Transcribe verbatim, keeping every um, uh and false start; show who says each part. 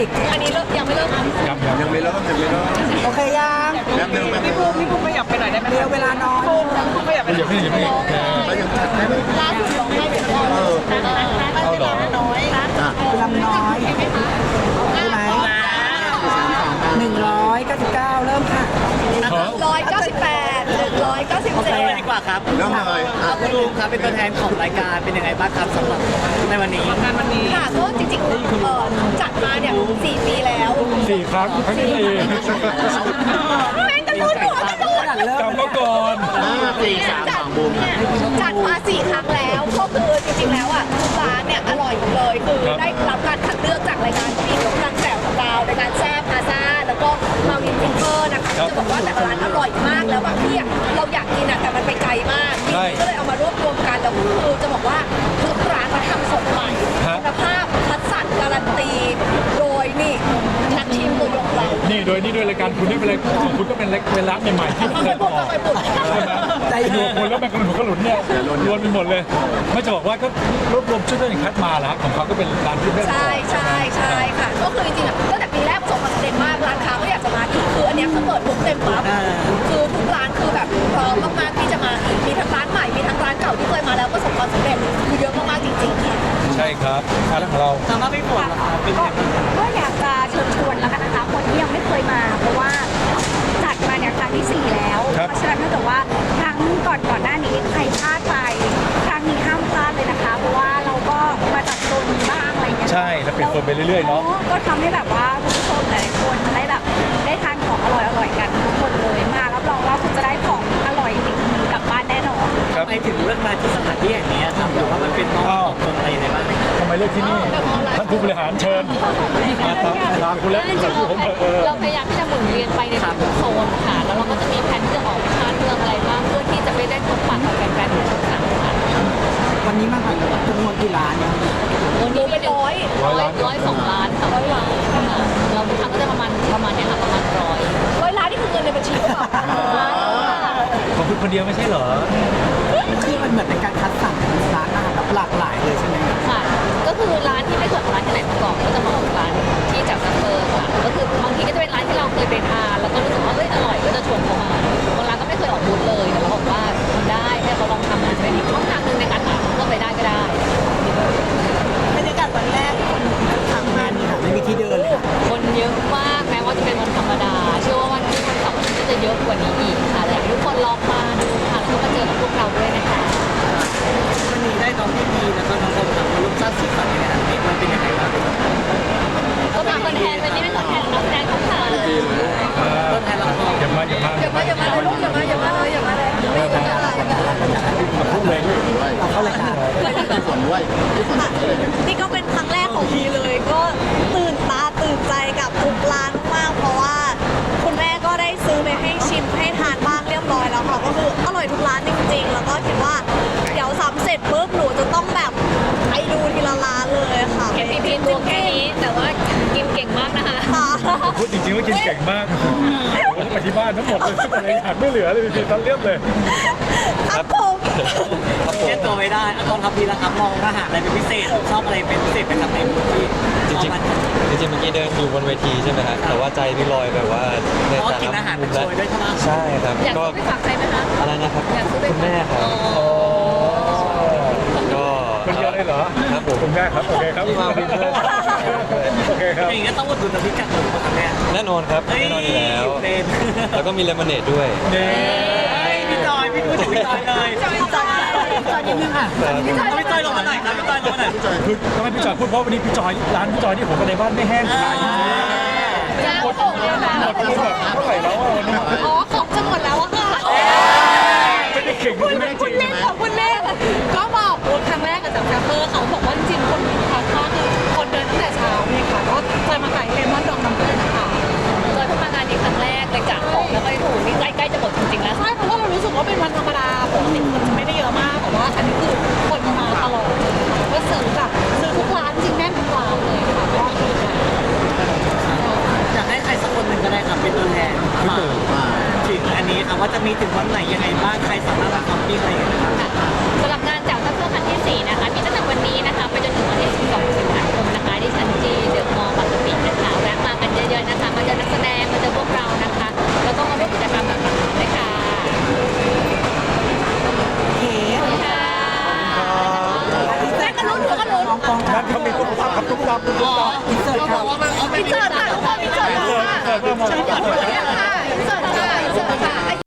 Speaker 1: กอันนี้เลิกยังไม่เลิก
Speaker 2: ยังยัง
Speaker 3: ยังไม่เริ่มยังไม่เริ่ม
Speaker 1: โอเคยัง
Speaker 3: แป๊บนึงแป๊บนึ
Speaker 4: พี่
Speaker 3: ง
Speaker 4: ภูมิพี่ภูมิขยับไปหน่อยได้ไหม
Speaker 1: เร็วเวลาน้อย
Speaker 4: ภูมิภูมิขยับไปหน่
Speaker 2: เดี๋ยว
Speaker 4: อย
Speaker 2: พี่เดี๋ยวพี่
Speaker 3: แล้วยังจัดได้ไหม
Speaker 1: ล่าสุดลงให้เป็นออ
Speaker 3: เออ
Speaker 2: เอาเหรอ
Speaker 1: น้อย
Speaker 3: อ่ะ
Speaker 1: ลำน้อยใช่ไหมหนึ่งร้อยเก้าสิบเก้าเริ่มค่ะ
Speaker 5: ร้อยเก้าสิบแปดหนึ่งร้อยเก้าสิบ
Speaker 6: โอเค
Speaker 5: เจ็ด
Speaker 6: ดีกว่าครับ
Speaker 3: เริ่มเลย
Speaker 6: อ่ะคุณลุงครับเป็นตัวแทนของรายการเป็นยังไงบ้างครับสำหรับในวันนี้
Speaker 4: งานวันนี้
Speaker 5: ค่ะก็จริงๆเออจัดมาเนี่ยสี่ปีแล้ว
Speaker 2: สี่ครั้งครั้งที่สี่
Speaker 5: แม่งกระโดดหัวกระโดด
Speaker 1: เริ่ม
Speaker 2: จำมาก่อน
Speaker 3: ห้าสี่สามสองบูม
Speaker 5: เนี่ยจัดมาสี่ครั้งแล้วก็คือจริงๆแล้วอ่ะทุกร้านเนี่ยอร่อยหมดเลยคือได้รับการคัดเลือกจากรายการที่กำลังแสวของเรารายการแซ่บพาซ่าแล้วก็มาวินฟิงเกอร์นะคะจะบอกว่าแต่ละร้านอร่อยมากแล้วบางที่อะเราอยากกินอ่ะแต่มันไปไกลมากก็เลยเอามารวบรวมกันแล้วคือจะบอกว่าทุกร้านเขาทำสดใหม่คุณภาพคัดสรรการันตีโดยนี่นักชิมตัวยงเรา
Speaker 2: นี่โดยนี่ด้วยรายการคุณนี่เป็นรายของคุณก็เป็นเป็นร้านใหม่ๆที่ไม่เคยออก
Speaker 5: ไปปุ่น
Speaker 2: ใช่ไหมดูคนแล้วแมงกะพรุนกระหลุนเนี่ยรวนไปหมดเลยไม่จะบอกว่าก็รวบรวมชุดที่คัดมาแล้วของเขาก็เป็นร้านที่ได้
Speaker 5: ใช่ใช่ใช่ค่ะก็คือจริงๆอ่ะตั้งแต่ปีแรกประสบความสำเร็จมากร้านค้าก็อยากจะมาอีกคืออันเนี้ยคือเปิดปุ๊บเต็มปั๊บคือทุกร้านคือแบบพร้อมมากๆที่จะมาอีกมีทั้งร้านใหม่มีทั้งร้านเก่าที่เคยมาแล้วประสบความสำเร็จคือเยอะมากๆจริงๆค่ะ
Speaker 2: ใช่ครับร้านของเรา
Speaker 6: สำหรับพี่ฝนล่ะครับเป็นยังไงบ้าง
Speaker 7: ก็อยากจะเชิญชวนแล้วกันนะคะคนที่ยังไม่เคยมา เพราะว่าจัดมาเนี่ยครั้งที่สี่แล้ว เพราะฉะนั้นถ้าเกิดว่าครั้งก่อนก่อนหน้านี้ใครพลาดไปครั้งนี้ห้ามพลาดเลยนะคะ เพราะว่าเราก็มาจัดโซนนี้บ้างอะไรอย่างเงี้ย
Speaker 2: ใช่แล้วเปลี่ยนโซนไปเรื่อยๆเนาะ
Speaker 7: ก็ทำให้แบบว่าคุณผู้ชมหลายๆคนได้แบบได้ทานของอร่อยๆกันทุกคนเลยมารับรองว่าคุณจะได้ของอร่อยติดมือกลับบ้านแน่นอน
Speaker 2: ครับ
Speaker 6: ทำไมถึงเลือกมาที่สถานที่แห่งนี้ครับหรือว่ามันเป็นน้องตรงอะไรยังไงบ้าง
Speaker 2: ทำไมเลือกที่นี่ท่านผู้บริหารเชิญมาครับลาคุณแล้วกับผู้ผมเออ
Speaker 8: เราพยายามที่จะหมุนเวียนไปในทุกโซนค่ะ แล้วเราก็จะมีแผนที่จะออกไปชาติเมืองอะไรบ้างเพื่อที่จะไปได้พบปะกับแฟนๆทุกสาขา
Speaker 1: วันนี้มาค่ะจำนวนกี่ร้านเนี่ย
Speaker 8: วันนี้เป็นร้อยร้อยร้อยสองล้านค่ะร้อยล้านค่ะเราทุกครั้งก็จะประมาณประมาณเนี้ยค่ะประมาณร้อย
Speaker 5: ร้อยล้านนี่คือเงินในบัญชีหรือเปล่า
Speaker 2: ของคุณคนเดียวไม่ใช่เหรอ
Speaker 1: คือมันเหมือนเป็นการคัดสรรร้านอาหารแบบหลากหลายเลยใช่ไหมครับ
Speaker 8: ค่ะ ก็คือร้านที่ไม่เคยออกร้านที่ไหนมาก่อนก็จะมาออกร้านที่จากซัฟเฟอร์ค่ะ ก็คือบางทีก็จะเป็นร้านที่เราเคยไปทานแล้วก็รู้สึกว่าเอ้ยอร่อยก็จะชวนเขามาบางร้านก็ไม่เคยออกบูธเลยแต่เราบอกว่าทำได้ให้เขาลองทำมันจะเป็นอีกช่องทางหนึ่งในการหาก็ไปได้ก็ได้
Speaker 5: บรรยากาศวันแรกคนทำงาน
Speaker 1: ค่ะไม่มีที่เดินเลยค่ะ
Speaker 8: คนเยอะมากแม้ว่าจะเป็นวันธรรมดา เชื่อว่าวันที่วันเสาร์ก็จะเยอะกว่านี้อีกค่ะแต่ทุกคนลองมาดูค่ะแล้วก็มาเจอกับพวกเราด้วยนะคะ
Speaker 6: วันนี้ได้น้องพี่พีแล้วก็น้องโอมครับลูกชาติสีสันในงานนี้มันเป็นยังไงบ้าง
Speaker 8: ก็มาคนแทนวันนี้เป็นตัวแทนนักแสดงของค่ะ
Speaker 6: ต้นไทยละคร
Speaker 2: อย่ามาอย่ามา
Speaker 5: อย่ามาอย่ามาเลยลูกอย่ามาอย่ามาเลยอย่ามาเลยไม่อย่ามาเลย
Speaker 2: มาพูดเลย
Speaker 3: ด้วย
Speaker 1: เราเข้ารายการ
Speaker 3: ที่ฝนด้วยที่ฝนด้วย
Speaker 5: นี่ก็เป็นครั้งแรกของพีเลย ก็ตื่นตาตื่นใจกับทุกร้านมากเพราะว่า คุณแม่ก็ได้ซื้อไปให้ชิมให้ทานบ้างเรียบร้อยแล้วค่ะก็คืออร่อยทุกร้านจริงๆ แล้วก็คิดว่าเดี๋ยวซ้ำเสร็จปุ๊บหนูจะต้องแบบไปดูทีละร้านเลยค่ะ
Speaker 8: เห็นพีพีตัวแค่นี้แต่ว่ากินเก่งมากนะคะ
Speaker 5: ค่ะ
Speaker 2: พูดจริงๆว่ากินเก่งมากโอ้ยไปที่บ้านทั้งหมดเลยอะไรหักไม่เหลือเลยพี่ตันเรียบเลย
Speaker 5: ครับผม
Speaker 6: เล่นตัวไม่ได้อะตอนครับพี่นะครับมองอาหารอะไรเป็นพิเศษชอบอะไรเป็นพิเศษเป็นสำเร็จที่
Speaker 9: จริงๆจริงๆเมื่อกี้เดินอยู่บนเวทีใช่ไหมฮะแต่ว่าใจพี่ลอยแบบว่าใน
Speaker 6: เพราะ
Speaker 9: แต่
Speaker 6: กิน
Speaker 9: ละ
Speaker 6: อาหาร
Speaker 9: มุ
Speaker 6: เป็น
Speaker 9: ม
Speaker 6: โชยด้วยใช่ไหม
Speaker 9: ใช่ครับ
Speaker 8: อยาก
Speaker 9: ก็
Speaker 8: ซื้อไปฝากใครไหมคะ
Speaker 9: อะไรนะครับ
Speaker 8: อยากซื้อไป
Speaker 9: คุณแม่ครับก็
Speaker 2: คนเดียวเลยเหรอ
Speaker 9: ครับผม
Speaker 2: คุณแม่ครับโอเคครับ
Speaker 9: ที่มาเป็นเพื่อน
Speaker 2: โอเคครับ
Speaker 6: อย่างนี้ก็ต้องอุดหนุนน้ำพริกกากหมูครับแม่
Speaker 9: แน่นอนครับแน่นอนอยู่แล้ว
Speaker 6: เป็น
Speaker 9: แล้วก็มีเลมอนเนดด้วย
Speaker 2: เน่
Speaker 6: พี่จอยพี่พูดถึงพี่จอยเลย
Speaker 5: จอยจอยจอยนิดนึงค่ะ
Speaker 6: พี่จอยลงมาหน่อยครับพี่จอยลงมาหน่อย
Speaker 2: คือทำไมพี่จอยพูดเพราะวันนี้พี่จอยร้านพี่จอยที่ผมไปในบ้านไม่แห้งขาย
Speaker 5: ยาวโป่งเลยค่ะ
Speaker 2: หมดไปหมดเท่าไหร่แล้วอ่ะวันนี้
Speaker 5: อ๋อของจะหมดแล้วอะค่ะ
Speaker 2: ไม่ได้เก่งไม่ได้จริง
Speaker 5: เล่นของคุณเล่นก็บอกครั้งแรกกับจากแซมเปอร์เขาบอกว่าจริงๆคนทานข้าวคือคนเดินตั้งแต่เช้านี่ค่ะก็เคยมาขายเลมอนดองน้ำผึ้งค่ะ
Speaker 8: จอยเพิ่งมางานนี้ครั้งแรกเลยกะของแล้วก็ถูกนี่ใกล้ๆจะหมดจริงๆแล้ว
Speaker 5: ใช่เพราะว่าเรารู้สึกว่าเป็นวันธรรมดาปกติคนจะไม่ได้เยอะมากแต่ว่าอันนี้คือคนมาตลอดก็ซื้อแบบซื้อทุกร้านจริงแน่นทุกร้านเลยค่ะก็คือ
Speaker 6: อยากให้ใครสักคนหนึ่งก็ได้ครับเป็นตัวแทนมาถึงอันนี้ครับว่าจะมีถึงวันไหนยังไงบ้างใครสามารถมาทำปิ้งอะไรอย่างเงี้ยครับ
Speaker 8: สำหรับงานจากซัฟเฟอร์ครั้งที่สี่นะคะมีตั้งแต่วันนี้นะคะไปจนถึงวันที่สิบสองสิงหาคมนะคะที่ชั้นจีเดอะมอลล์บางกะปินะคะ
Speaker 2: ครับตุ๊กตาตุ๊กตา
Speaker 1: อินเสิร์ตครับ
Speaker 5: พิเศษค่ะทุกคนพิเศษค่ะ
Speaker 2: เปิดเปิดเปิด